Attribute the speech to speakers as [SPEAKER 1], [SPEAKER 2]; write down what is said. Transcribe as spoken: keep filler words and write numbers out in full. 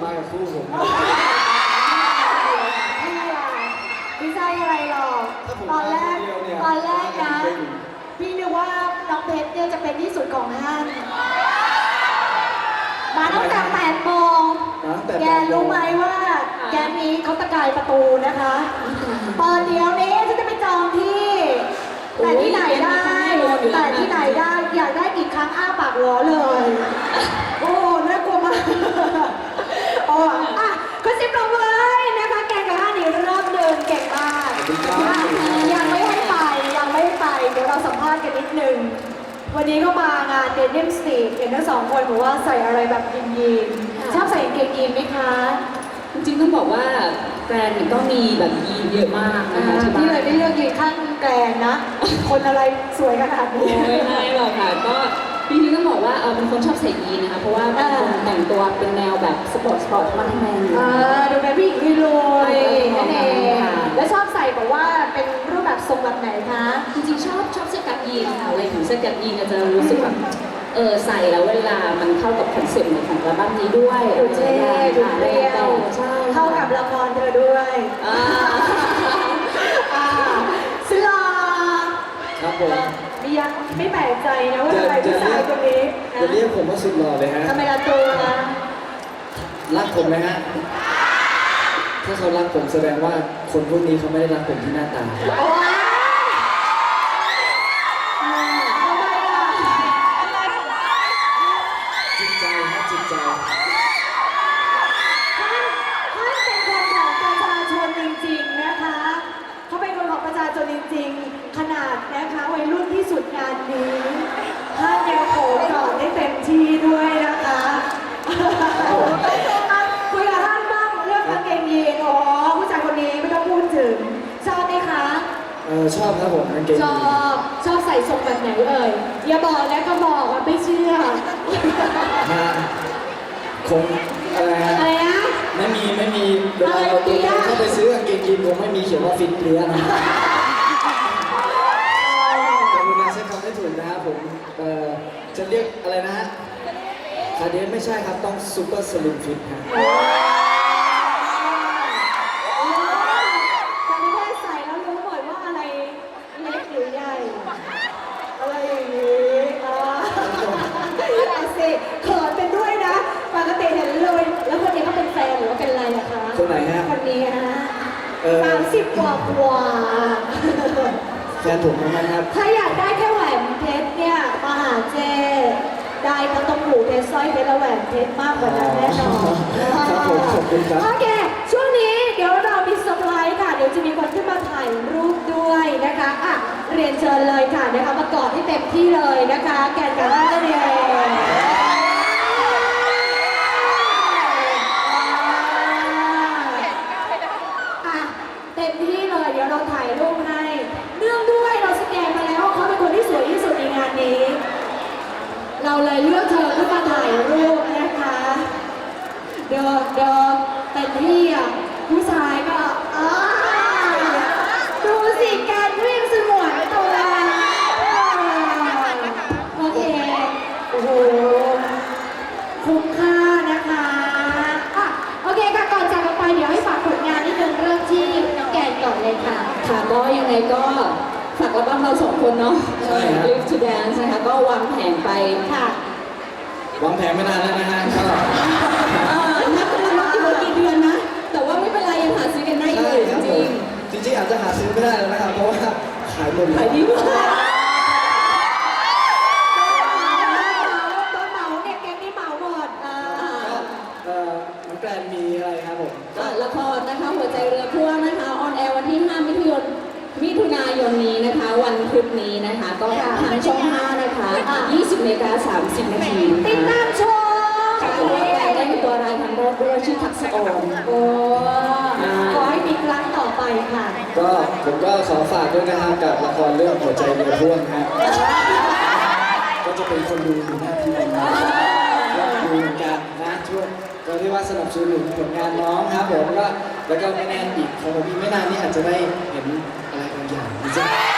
[SPEAKER 1] กับคู่ผม
[SPEAKER 2] ไม่ใช่อะไรหรอกตอนแรกตอนแรกนะพี่นึกว่าน้องเพชรเนี่ยจะเป็นที่สุดของห้างมาตั้งแต่แปดโมงแกรู้ไหมว่าแกมีเขาตะกายประตูนะคะตอนเดียวนี้ฉันจะไปจองที่แต่ที่ไหนได้แต่ที่ไหนได้อยากได้กี่ครั้งอ้าปากล้อเลยโอ้น่ากลัวมากโอ้อะก็ซิบลงเลยนะคะแกกับห้าหนีรอบเดินเก่งมากยังไม่ให้ไปยังไม่ให้ไปเดี๋ยวเราสัมภาษณ์กันนิดนึงวันนี้ก็มางานเดนิมสตรีทเห็นทั้งสองคนบอกว่าใส่อะไรแบบยีนยีนชอบใส่กางเกงยีนไหมคะ
[SPEAKER 3] จริงๆต้องบอกว่าแบรนด์ก็มีแบบยีนเยอะมากนะคะ
[SPEAKER 2] ที่เลยได้เลือกยีนข้างแกรนนะ คนอะไรสวยขนาดนี้
[SPEAKER 3] ไม่ใช่หรอกค่ะก็จริงๆต้องบอกว่าเออเป็นคนชอบใส่ยีนนะคะเพราะว่าเป็นคนแต่งตัวเป็นแนวแบบสปอร์ตสปอร์ตมาทั้งแมน
[SPEAKER 2] ดูเป็นผู้หญิงที่รวยนั่นเองแล้วชอบใส่แบบว่าเป็นรูปแบบทรงแบบไหนคะ
[SPEAKER 3] จริงๆชอบชอบเสื้อกั๊กยีนค่ะอะไรของเสื้อกั๊กยีนจะรู้สึกแบบเออใส่แล้วเวลามันเข้ากับคอนเซ็ปต์ของอัลบั้มนี้ด้วย
[SPEAKER 2] ดูเท่ดูเรียวเข้ากับละครเธอด้วยสลา
[SPEAKER 1] ครับผม
[SPEAKER 2] ยังไม่แปลกใจนะว่าทำไมผู้ชายคนนี้
[SPEAKER 1] จะเรียกผมว่าสุดหล่อเลยฮะ
[SPEAKER 2] ทำไมละตัว
[SPEAKER 1] รักผมไหมฮะถ้าเขารักผมแสดงว่าคนพวกนี้เขาไม่ได้รักผมที่หน้าตาจิตใจนะจิตใจ
[SPEAKER 2] ท่านเป็นคนของประชาชนจริงๆนะคะเขาเป็นคนของประชาชนจริงๆขนาดนะคะวัยรุ่นที่สุดงานนี้ท่านยังโผล่ก่อนได้เต็มที่ด้วยนะคะคุยกับท่านบ้างเรื่องกางเกงยีนอ๋อผู้ชายคนนี้ไม่ต้องพูดถึงชอบไหมคะ
[SPEAKER 1] เออชอบครับผมกางเกง
[SPEAKER 2] ชอบชอบใส่ทรงแบบไหนเอ่ยอย่าบอกนะก็บอกว่าไม่เชื่อ
[SPEAKER 1] คงอะไรฮะ
[SPEAKER 2] อะไรนะ
[SPEAKER 1] ไม่มีไม่มีเวลาเราตัวเองเข้าไปซื้อกางเกงยีนคงไม่มีเขียนว่าฟิตเปรี้ยนะขอบคุณนะใช้คำได้ถูกนะครับผมเอ่อจะเรียกอะไรนะฮะคาเดนไม่ใช่ครับต้องซูเปอร์สลิมฟิตฮะ
[SPEAKER 2] ตอนนี้แค่ใส่แล้วรู้หมดว่าอะไรเล็กหรือใหญ่อะไรอย่างนี้อ่าเอาสิเขินเป็นด้วยนะปกติเห็นเลยแล้วคนนี้เขาเป็นแฟนหรือว่าเป็นอะไรอะคะ
[SPEAKER 1] คนไหนฮะ
[SPEAKER 2] คนนี้ฮะสามสิบกว่ากว่า
[SPEAKER 1] แฟนผมนะครับ
[SPEAKER 2] ถ้าอยากได้แค่แหวนเพชรเนี่ยมาหาเจได้ทั้งตรงหูเพชรสร้อยเพชรและแหวนเพชรมากกว่านั้นแน่นอน
[SPEAKER 1] ครับผมขอบคุณครับ
[SPEAKER 2] โอเคช่วงนี้เดี๋ยวเรามีเซอร์ไพรส์ค่ะเดี๋ยวจะมีคนขึ้นมาถ่ายรูปด้วยนะคะอ่ะเรียนเชิญเลยค่ะนะคะมากอดให้เต็มที่เลยนะคะแกนกับห้านั่นเองเต็มที่เลยเดี๋ยวเราถ่ายรูปให้เนื่องด้วยเราสแกนมาแล้วเขาเป็นคนที่สวยที่สุดในงานนี้เราเลยเลือกเธอขึ้นมาถ่ายรูปนะคะเดินเดินเต็มที่อ่ะผู้ชายก็อ้าดูสิการวิ่งสมวนตัวโอเคโอ้โหคุ้มค่านะคะอ่ะโอเคค่ะก่อนจากกันไปเดี๋ยวให้ฝากผลงานนิดนึงเริ่มที่น้องแกนก่อนเลยค่ะ
[SPEAKER 3] ค่ะก็ยังไงก็ฝากอัลบั้มเราสองคนเนาะ Live to Dance นะคะก็วางแผนไป
[SPEAKER 2] ค่ะ
[SPEAKER 1] วางแผนไม่นานแล้วนะฮะก็
[SPEAKER 3] นับเป็นนับกี่กี่เดือนนะแต่ว่าไม่เป็นไรยังหาซื้อกันได้อยู่จริง
[SPEAKER 1] จริงอาจจะหาซื้อไม่ได้แล้วนะครับเพราะว่าขายหมด
[SPEAKER 3] ขายดีมาก
[SPEAKER 2] ตัวเหมาเนี่ยแกงนี่เหมาหมด
[SPEAKER 1] เอ่อน้องแกรนมีอะไรครับผม
[SPEAKER 3] ละครนะคะหัวใจเรือพ่วงนะคะออนแอร์วันที่ห้ามิถุนายนมิถุนายนนี้นะคะวันพุธนี้นะคะก็ทางช่องห้านะคะยี่สิบนาฬิกาสามสิบนาที
[SPEAKER 2] ติดตามชม
[SPEAKER 3] ได้เป็นตัวรายครั้งแรกด้วยชื่อทักษะออน
[SPEAKER 2] โอ้ขอให้มีครั้งต่อไปค่ะ
[SPEAKER 1] ก็ผมก็ขอฝากด้วยนะครับกับละครเรื่องหัวใจเรือพ่วงฮะก็จะเป็นคนดูอยู่หน้าที่นี้ดูเหมือนกันนะช่วงก็เรียกว่าสนับสนุนผลงานน้องครับผมก็แล้วก็ไม่แน่อีกของผมอีกไม่นานนี้อาจจะได้เห็นอะไรบางอย่างนะจ๊ะ